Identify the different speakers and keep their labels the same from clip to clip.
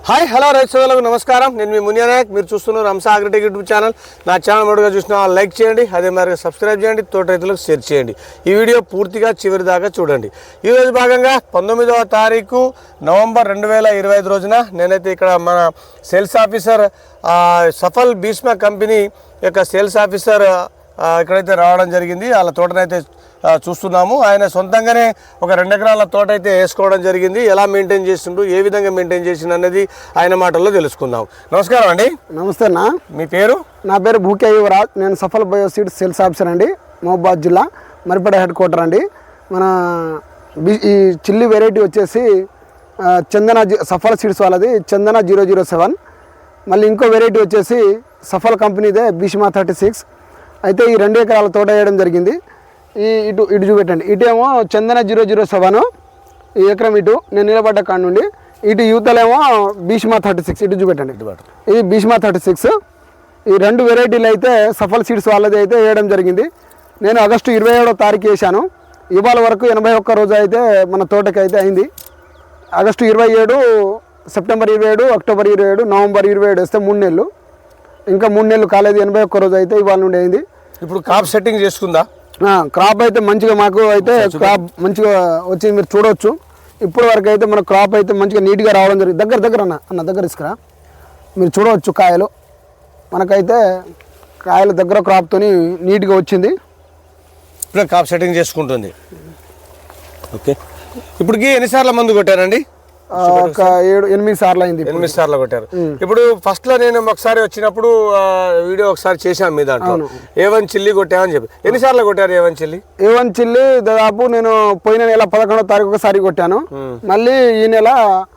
Speaker 1: Hi hello రైతు సోదరులకు నమస్కారం. నేను మీ మునియా నాయక్. మీరు చూస్తున్నారు హంస అగ్రిటెక్ యూట్యూబ్ ఛానల్. నా ఛానల్ మొదటిగా చూసిన లైక్ చేయండి, అదే మరి సబ్స్క్రైబ్ చేయండి, తోట రైతులకు షేర్ చేయండి. ఈ వీడియో పూర్తిగా చివరి దాకా చూడండి. ఈరోజు భాగంగా 19వ తారీఖు నవంబర్ 2025 రోజున నేనైతే ఇక్కడ మన sales officer Safal Bhishma company యొక్క సేల్స్ ఆఫీసర్ ఇక్కడైతే రావడం జరిగింది. వాళ్ళ తోటనైతే చూస్తున్నాము. ఆయన సొంతంగానే ఒక 2 ఎకరాల తోట అయితే వేసుకోవడం జరిగింది. ఎలా మెయింటైన్ చేస్తుండ్రు, ఏ విధంగా మెయింటైన్ చేసిండు అనేది ఆయన మాటల్లో తెలుసుకుందాం. నమస్కారం అండి.
Speaker 2: నమస్తే అన్న.
Speaker 1: మీ పేరు?
Speaker 2: నా పేరు భూకే యువరాజ్. నేను సఫల్ బయోసీడ్ సేల్స్ ఆఫీసర్ అండి, మహబూబాద్ జిల్లా మరిపేట హెడ్ క్వార్టర్ అండి. మన ఈ చిల్లి వెరైటీ వచ్చేసి చందన సఫల్ సీడ్స్ వాళ్ళది చందన 007. మళ్ళీ ఇంకో వెరైటీ వచ్చేసి సఫల్ కంపెనీదే భీష్మ 36. అయితే ఈ 2 ఎకరాల తోట వేయడం జరిగింది. ఇటు చూపెట్టండి. ఇటేమో చందన 007 ఈ ఎకరం, ఇటు నేను నిలబడ్డ కాడ నుండి ఇటు యువతలేమో భీష్మ 36. ఇటు చూపెట్టండి. ఇది భీష్మ 36. ఈ 2 వెరైటీలు అయితే సఫల్ సీడ్స్ వాళ్ళది అయితే వేయడం జరిగింది. నేను ఆగస్టు 27వ తారీఖు వేసాను. ఇవాళ వరకు 81 రోజు అయితే మన తోటకి అయితే అయింది. ఆగస్టు 27, సెప్టెంబర్ 27, అక్టోబర్ 27, నవంబర్ 27 వేస్తే 3 నెలలు. ఇంకా 3 నెలలు కాలేదు. 81 రోజు అయితే ఇవాళ నుండి అయింది.
Speaker 1: ఇప్పుడు క్రాప్ సెట్టింగ్ చేసుకుందా?
Speaker 2: క్రాప్ అయితే మంచిగా మాకు అయితే క్రాప్ మంచిగా వచ్చి మీరు చూడవచ్చు. ఇప్పటి వరకు అయితే మన క్రాప్ అయితే మంచిగా నీట్గా రావడం జరిగింది. దగ్గర అన్న దగ్గర ఇసుకురా మీరు చూడవచ్చు. కాయలు మనకైతే కాయల దగ్గర క్రాప్తో నీట్గా వచ్చింది.
Speaker 1: ఇప్పుడు క్రాప్ సెట్టింగ్ చేసుకుంటుంది. ఓకే, ఇప్పటికి ఎన్నిసార్లు మందు కొట్టారండి?
Speaker 2: ఒక 7-8 సార్లు అయింది.
Speaker 1: 8 సార్లు కొట్టారు. ఇప్పుడు ఫస్ట్ లో నేను ఒకసారి వచ్చినప్పుడు వీడియో ఒకసారి చేశాను మీ దాంట్లో A1 చిల్లి కొట్టామని చెప్పి. ఎన్నిసార్లు కొట్టారు A1 చిల్లి?
Speaker 2: A1 చిల్లి దాదాపు నేను పోయిన నెల 11వ తారీఖు ఒకసారి కొట్టాను. మళ్ళీ ఈ నెల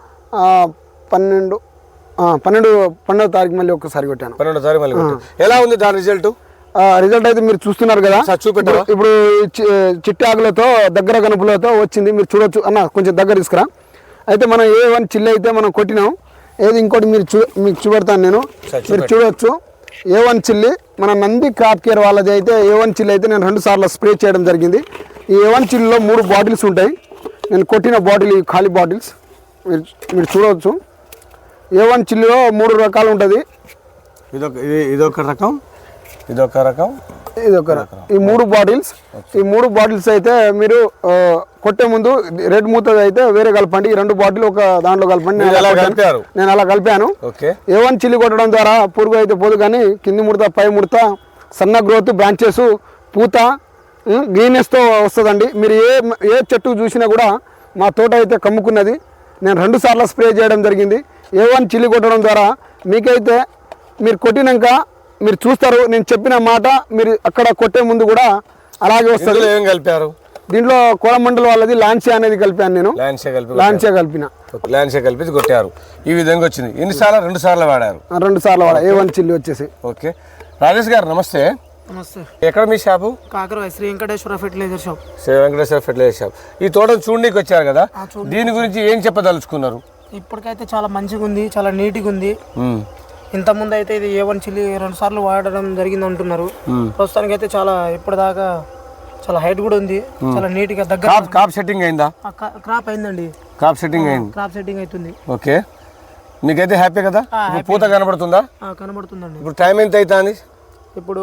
Speaker 2: 12వ తారీఖు మళ్ళీ ఒకసారి కొట్టాను.
Speaker 1: 12వ తారీఖు మళ్ళీ కొట్టాను. ఎలా ఉంది దాని రిజల్ట్?
Speaker 2: రిజల్ట్ అయితే మీరు చూస్తున్నారు కదా.
Speaker 1: చూపెట్టారు.
Speaker 2: ఇప్పుడు చిట్టి ఆకులతో దగ్గర గనుపులతో వచ్చింది. మీరు చూడొచ్చు అన్న, కొంచెం దగ్గర తీసుకురా. అయితే మనం A1 చిల్లి అయితే మనం కొట్టినాం. ఏది ఇంకోటి మీకు చూపెడతాను నేను. మీరు చూడవచ్చు A1 చిల్లి మన నంది క్రాప్ కేర్ వాళ్ళది అయితే A1 చిల్లి అయితే నేను 2 సార్లు స్ప్రే చేయడం జరిగింది. ఈ A1 చిల్లిలో 3 బాటిల్స్ ఉంటాయి. నేను కొట్టిన బాటిల్ ఈ ఖాళీ బాటిల్స్ మీరు చూడవచ్చు. A1 చిల్లిలో 3 రకాలు ఉంటుంది.
Speaker 1: ఇదొక రకం, ఇదొక రకం.
Speaker 2: ఈ 3 బాటిల్స్. ఈ 3 బాటిల్స్ అయితే మీరు కొట్టే ముందు రెడ్ మూత అయితే వేరే కలపండి. ఈ 2 బాటిల్ ఒక దాంట్లో కలపండి. నేను అలా కలిపాను. A1 చిల్లి కొట్టడం ద్వారా పురుగు అయితే పోదు, కానీ కింది ముడత పై ముడత సన్న గ్రోత్ బ్రాంచెస్ పూత గ్రీనెస్తో వస్తుందండి. మీరు ఏ చెట్టు చూసినా కూడా మా తోట అయితే కమ్ముకున్నది. నేను 2 సార్లు స్ప్రే చేయడం జరిగింది. A1 చిల్లి కొట్టడం ద్వారా మీకైతే మీరు కొట్టినాక మీరు చూస్తారు. నేను చెప్పిన మాట మీరు అక్కడ కొట్టే ముందు కూడా అలాగే వస్తుంది.
Speaker 1: ఏం కలిపారు
Speaker 2: దీంట్లో కోరమండల్ వాళ్ళది లాన్సియా అనేది కలిపాను నేను. లాన్సియా
Speaker 1: కలిపి కొట్టారు. ఈ విధంగా వచ్చింది. ఎన్నిసార్లు? 2 సార్లు వాడారు.
Speaker 2: 2 సార్లు వాడారు A1 చిల్లి వచ్చేసి.
Speaker 1: ఓకే, రాజేష్ గారు నమస్తే.
Speaker 3: నమస్తే.
Speaker 1: ఎక్కడ మీ shop?
Speaker 3: Kakaravai Sri Venkateswara fertilizer shop.
Speaker 1: Sri Venkateswara fertilizer shop. ఈ తోటను చూడడానికి వచ్చారు కదా, దీని గురించి ఏం చెప్పదలుచుకున్నారు?
Speaker 3: ఇప్పటికైతే చాలా మంచిగా ఉంది, చాలా నీట్గా ఉంది. ఇంతకుముందు అయితే ఇది A1 చిల్లి 2 సార్లు వాడడం జరిగింది అంటున్నారు. ప్రస్తుతానికి అయితే చాలా ఇప్పటిదాకా చాలా హైట్ కూడా ఉంది, చాలా నీట్ గా దగ్గర.
Speaker 1: క్రాప్ సెట్టింగ్ అయిందా?
Speaker 3: క్రాప్ అయిందండి.
Speaker 1: క్రాప్ సెట్టింగ్ అయింది.
Speaker 3: క్రాప్ సెట్టింగ్ అవుతుంది.
Speaker 1: ఓకే, మీకైతే హ్యాపీ కదా? పూత కనబడుతుందా?
Speaker 3: కనబడుతుందండి.
Speaker 1: ఇప్పుడు టైం ఎంత అవుతుంది?
Speaker 3: ఇప్పుడు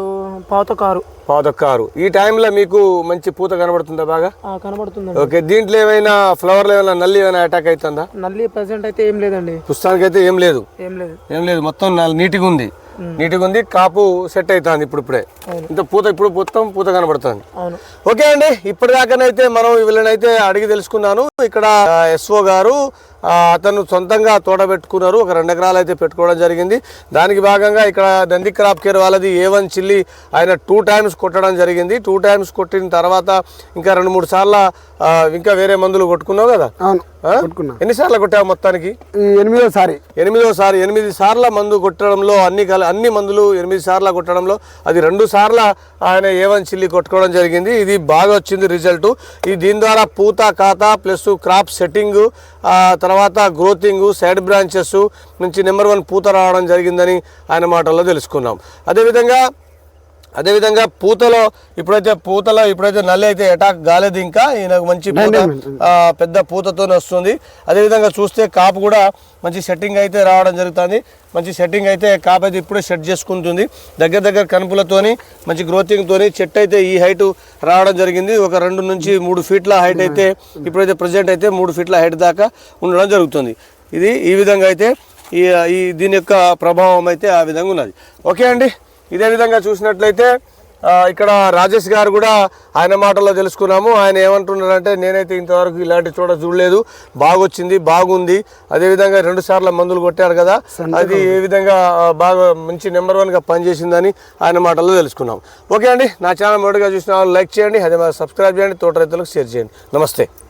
Speaker 3: 5:15.
Speaker 1: ఈ టైంలో మీకు మంచి పూత కనబడుతుందా? బాగా
Speaker 3: కనబడుతుందండి.
Speaker 1: ఓకే, దీంట్లో ఏమైనా ఫ్లవర్ ఏమైనా నల్లి ఏమైనా అటాక్ అవుతుందా?
Speaker 3: నల్లి ప్రెసెంట్ అయితే ఏం లేదండి.
Speaker 1: పుస్తకానికి అయితే ఏం లేదు. మొత్తం నీట్గా ఉంది. కాపు సెట్ అవుతుంది. ఇప్పుడే ఇంత పూత, ఇప్పుడు మొత్తం పూత కనబడుతుంది. ఓకే అండి, ఇప్పటిదాకానైతే మనం వీళ్ళనైతే అడిగి తెలుసుకున్నాను. ఇక్కడ SO గారు అతను సొంతంగా తోట పెట్టుకున్నారు. ఒక 2 ఎకరాలు అయితే పెట్టుకోవడం జరిగింది. దానికి భాగంగా ఇక్కడ నంది క్రాప్ కేర్ వాళ్ళది A1 చిల్లి ఆయన 2 టైమ్స్ కొట్టడం జరిగింది. 2 టైమ్స్ కొట్టిన తర్వాత ఇంకా 2-3 సార్లు ఇంకా వేరే మందులు కొట్టుకున్నావు కదా? ఎన్నిసార్లు కొట్టావు మొత్తానికి?
Speaker 2: 8వ సారి.
Speaker 1: 8 సార్ల మందు కొట్టడంలో అన్ని మందులు 8 సార్లు కొట్టడంలో అది 2 సార్లు ఆయన A1 చిల్లి కొట్టుకోవడం జరిగింది. ఇది బాగా వచ్చింది రిజల్ట్. దీని ద్వారా పూత ఖాతా ప్లస్ క్రాప్ సెట్టింగ్, తర్వాత గ్రోతింగ్, సైడ్ బ్రాంచెస్ నుంచి నెంబర్ 1 పూత రావడం జరిగిందని ఆయన మాటల్లో తెలుసుకున్నాం. అదేవిధంగా అదేవిధంగా పూతలో ఇప్పుడైతే నల్లి అయితే అటాక్ కాలేదు, ఇంకా ఈయనకు మంచి పూత పెద్ద పూతతో వస్తుంది. అదేవిధంగా చూస్తే కాపు కూడా మంచి సెట్టింగ్ అయితే రావడం జరుగుతుంది. మంచి సెట్టింగ్ అయితే కాపు అయితే ఇప్పుడే సెట్ చేసుకుంటుంది. దగ్గర కనుపులతోని మంచి గ్రోతింగ్తోని చెట్టు అయితే ఈ హైట్ రావడం జరిగింది. ఒక 2 నుంచి 3 ఫీట్ల హైట్ అయితే ఇప్పుడైతే ప్రజెంట్ అయితే 3 ఫీట్ల హైట్ దాకా ఉండడం జరుగుతుంది. ఇది ఈ విధంగా అయితే ఈ దీని యొక్క ప్రభావం అయితే ఆ విధంగా ఉన్నది. ఓకే అండి, ఇదే విధంగా చూసినట్లయితే ఇక్కడ రాజేష్ గారు కూడా ఆయన మాటల్లో తెలుసుకున్నాము. ఆయన ఏమంటున్నారంటే నేనైతే ఇంతవరకు ఇలాంటి చూడలేదు, బాగొచ్చింది, బాగుంది. అదేవిధంగా 2 సార్లు మందులు కొట్టారు కదా, అది ఏ విధంగా బాగా మంచి నెంబర్ 1గా పనిచేసిందని ఆయన మాటల్లో తెలుసుకున్నాం. ఓకే అండి, నా ఛానల్ మొదటిగా చూసిన వాళ్ళు లైక్ చేయండి, అదే సబ్స్క్రైబ్ చేయండి, తోట రైతులకు షేర్ చేయండి. నమస్తే.